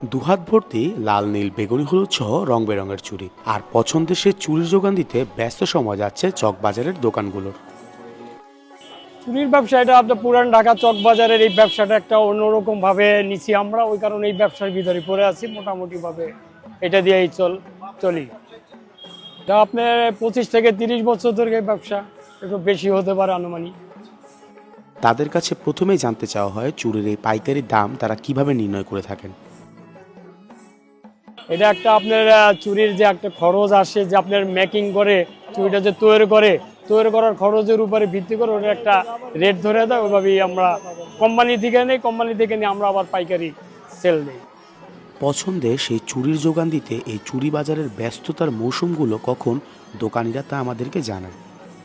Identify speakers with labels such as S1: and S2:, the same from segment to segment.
S1: দুহাত ভর্তি লাল নীল বেগুনি হলুদ সহ রং বেরঙের চুড়ি আর পছন্দের সে চুড়ির যোগান দিতে ব্যস্ত সময় যাচ্ছে চকবাজারের দোকানগুলোর।
S2: চুরির ব্যবসা এটা আপনার পুরান ঢাকা চক বাজারের এই ব্যবসাটা একটা অন্যরকম ভাবে নিছি আমরা, ওই কারণে এই ব্যবসার ভিতরে পড়ে আছি মোটামুটি ভাবে এটা দিয়েই চলি। এটা আপনার 25 থেকে 30 বছর ধরে এই ব্যবসা, একটু বেশি হতে পারে আনুমানিক।
S1: তাদের কাছে প্রথমেই জানতে চাওয়া হয় চুড়ির এই পাইকারি দাম তারা কিভাবে নির্ণয় করে থাকেন।
S2: এটা একটা আপনার চুরির যে একটা খরচ আসে, যে আপনার মেকিং করে চুরিটা যে তৈরি করার খরচের উপরে ভিত্তি করে ওটা একটা রেট ধরে দেয়, ওইভাবেই আমরা কোম্পানি থেকে নিয়ে আমরা আবার পাইকারি সেল দিই।
S1: পছন্দে সেই চুড়ির যোগান দিতে এই চুড়ি বাজারের ব্যস্ততার মৌসুমগুলো কখন দোকানিরা তা আমাদেরকে জানান।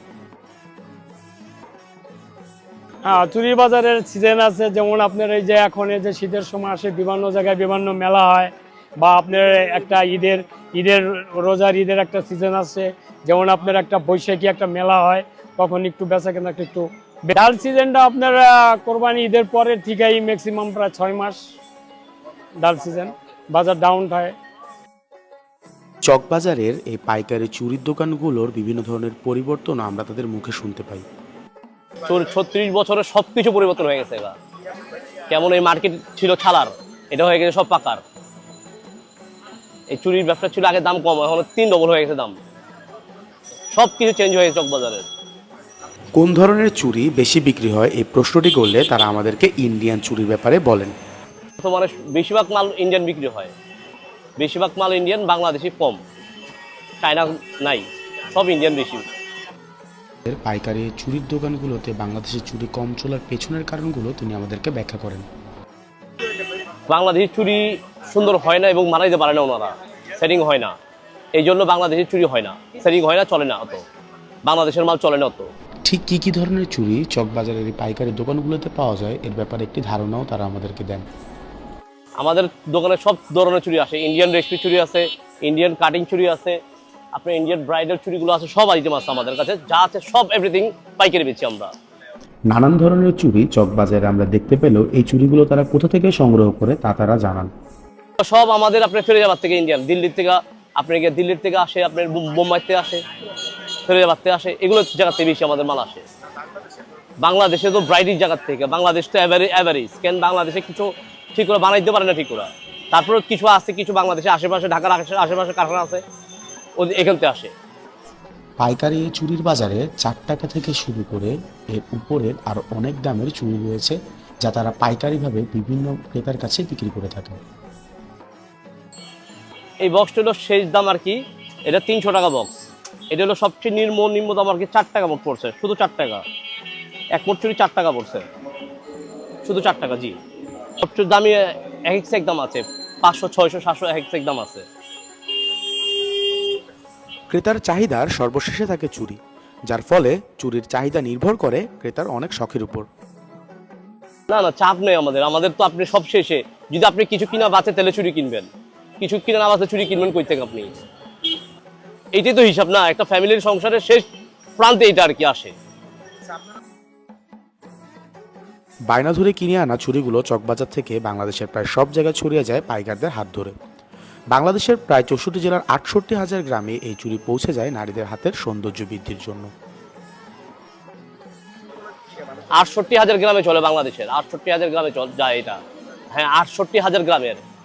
S2: হ্যাঁ, চুরি বাজারের সিজন আছে, যেমন আপনার এই যে এখন এই যে শীতের সময় আসে, বিভিন্ন জায়গায় বিভিন্ন মেলা হয়, বা আপনার একটা ঈদের রোজার ঈদের একটা সিজন আছে, যেমন আপনার একটা বৈশাখী একটা মেলা হয়, তখন একটু বেচা কেনা একটু। ডাল সিজনটা আপনার কোরবানি ঈদের পরের থেকেই ম্যাক্সিমাম প্রায় 6 মাস ডাল সিজন, বাজার ডাউন হয়।
S1: চকবাজারের এই পাইকারি চুড়ির দোকানগুলোর বিভিন্ন ধরনের পরিবর্তন আমরা তাদের মুখে শুনতে পাই।
S3: 36 বছরে সবকিছু পরিবর্তন হয়ে গেছে এবার। কেমন এই মার্কেট ছিল ছালার, এটা হয়ে গেছে সব পাকার। এই চুরির ব্যবসা ছিল আগে দাম কম, এখন 3 ডবল হয়ে গেছে দাম। সবকিছু চেঞ্জ হয়ে গেছে চকবাজারের।
S1: কোন ধরনের চুড়ি বেশি বিক্রি হয় এই প্রশ্নটি করলে তারা আমাদেরকে ইন্ডিয়ান চুড়ির ব্যাপারে বলেন।
S3: বর্তমানে বেশিরভাগ মাল ইন্ডিয়ান বিক্রি হয়, বেশিরভাগ মাল ইন্ডিয়ান, বাংলাদেশি কম, চায়না নাই, সব ইন্ডিয়ান বেশি।
S1: পাইকারি চুড়ির দোকানগুলোতে বাংলাদেশের চুড়ি কম চলার পেছনের কারণগুলো তিনি আমাদেরকে ব্যাখ্যা করেন।
S3: বাংলাদেশি চুরি সুন্দর হয় না এবং মানাইতে পারে না ওনারা, সেটিং হয় না, এই জন্য বাংলাদেশি চুরি হয় না, সেটিং হয় না, চলে না অত, বাংলাদেশের মাল চলে না অত।
S1: ঠিক কী কী ধরনের চুড়ি চকবাজারের এই পাইকারি দোকানগুলোতে পাওয়া যায় এর ব্যাপারে একটি ধারণাও তারা আমাদেরকে দেন।
S3: আমাদের দোকানে সব ধরনের চুড়ি আসে, ইন্ডিয়ান রেশমি চুড়ি আছে, ইন্ডিয়ান কাটিং চুড়ি আছে, আপনার ইন্ডিয়ান ব্রাইডাল চুড়িগুলো আছে, সব আইটেম আছে আমাদের কাছে, যা আছে সব এভরিথিং পাইকারি বেচি আমরা।
S1: নানান ধরনের চুড়ি চকবাজারে আমরা দেখতে পেলেও এই চুড়িগুলো তারা কোথা থেকে সংগ্রহ করে তা তারা জানান।
S3: সব আমাদের আপনার ফিরোজাবাদ থেকে ইন্ডিয়ান, দিল্লির থেকে আপনার দিল্লির থেকে আসে, আপনার বোম্বাই থেকে আসে, ফিরোজাবাদ থেকে আসে, এগুলো জায়গা থেকে বেশি আমাদের মাল আসে। বাংলাদেশে তো ব্রাইডের জায়গার থেকে, বাংলাদেশ তো অ্যাভারেজ, কেন বাংলাদেশে কিছু ঠিক করে বানাইতে পারে না ঠিক করে, তারপরে কিছু আছে, কিছু বাংলাদেশে আশেপাশে, ঢাকার আশেপাশে কারখানা আছে, এখান থেকে আসে।
S1: পাইকারি এই চুড়ির বাজারে 4 টাকা থেকে শুরু করে এর উপরের আরও অনেক দামের চুড়ি রয়েছে যা তারা পাইকারিভাবে বিভিন্ন ক্রেতার কাছে বিক্রি করে থাকে।
S3: এই বক্সটা হলো শেষ দাম আর কি, এটা 300 টাকা বক্স। এটা হলো সবচেয়ে নিম্ন দাম আর কি, 4 টাকা মোট পড়ছে, শুধু 4 টাকা, এক মোট চুরি 4 টাকা পড়ছে, শুধু 4 টাকা। জি, সবচেয়ে দামি এক এক দাম আছে, 500, 600, 700 এক এক দাম আছে।
S1: ক্রেতার চাহিদার সর্বশেষে থাকে চুড়ি, যার ফলে চুরির চাহিদা নির্ভর করে ক্রেতার অনেক শখের উপর।
S3: না চাপ নেই আমাদের তো আপনি সব শেষে, যদি আপনি কিছু কিনা বাঁচে তাহলে চুরি কিনবেন, কিছু কিনা না বাঁচে চুরি কিনবেন কই থেকে আপনি? এইটাই তো হিসাব না, একটা ফ্যামিলির সংসারের শেষ প্রান্তে এটা আর কি আসে।
S1: বায়না ধরে কিনে আনা চুড়িগুলো চকবাজার থেকে বাংলাদেশের প্রায় সব জায়গায় ছড়িয়ে যায় পাইকারদের হাত ধরে। বাংলাদেশের প্রায় 64 জেলার 68,000 গ্রামে এই চুড়ি পৌঁছে যায় নারীদের হাতের সৌন্দর্য বৃদ্ধির জন্য।
S3: 68,000 গ্রামে চলে বাংলাদেশের, 68,000 গ্রামে যায় এটা। হ্যাঁ, 68,000 গ্রামের